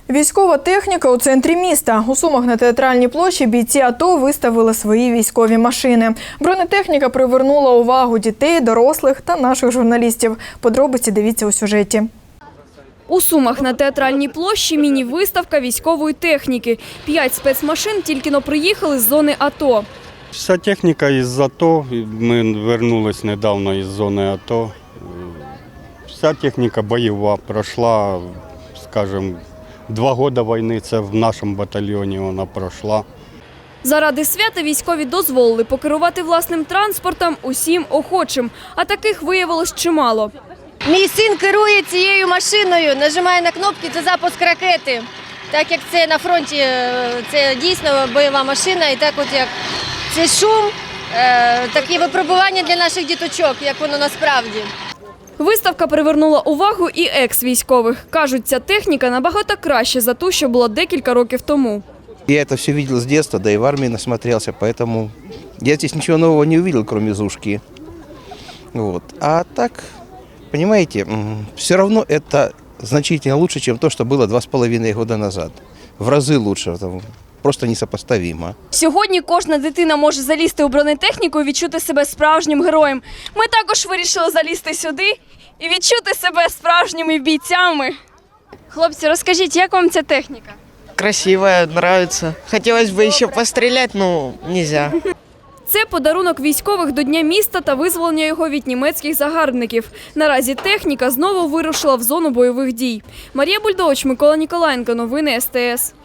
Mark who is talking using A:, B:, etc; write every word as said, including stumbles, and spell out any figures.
A: Військова техніка у центрі міста. У Сумах на Театральній площі бійці АТО виставили свої військові машини. Бронетехніка привернула увагу дітей, дорослих та наших журналістів. Подробиці дивіться у сюжеті.
B: У Сумах на Театральній площі міні-виставка військової техніки. П'ять спецмашин тільки-но приїхали з зони АТО.
C: Вся техніка із АТО, ми повернулися недавно із зони АТО. Вся техніка бойова, пройшла, скажімо, два роки війни, це в нашому батальйоні вона пройшла.
B: Заради свята військові дозволили покерувати власним транспортом усім охочим, а таких виявилось чимало.
D: Мій син керує цією машиною, нажимає на кнопки – це запуск ракети. Так як це на фронті, це дійсно бойова машина, і так от як це шум, такі випробування для наших діточок, як воно насправді.
B: Виставка привернула увагу і екс-військових. Кажуть, ця техніка набагато краще за ту, що була декілька років тому.
E: Я это все видел с детства, да и в армии насмотрелся, поэтому я здесь ничего нового не увидел, кроме Зушки. Вот. А так, понимаете, все равно это значительно лучше, чем то, что было два с половиной года назад. В разы лучше, просто несопоставимо.
B: Сьогодні кожна дитина може залізти у бронетехніку і відчути себе справжнім героєм. Ми також вирішили залізти сюди і відчути себе справжніми бійцями. Хлопці, розкажіть, як вам ця техніка?
F: Красивая, нравится. Хотелось бы еще пострелять, но нельзя.
B: Це подарунок військових до Дня міста та визволення його від німецьких загарбників. Наразі техніка знову вирушила в зону бойових дій. Марія Бульдович, Микола Ніколаєнко. Новини ес те ес.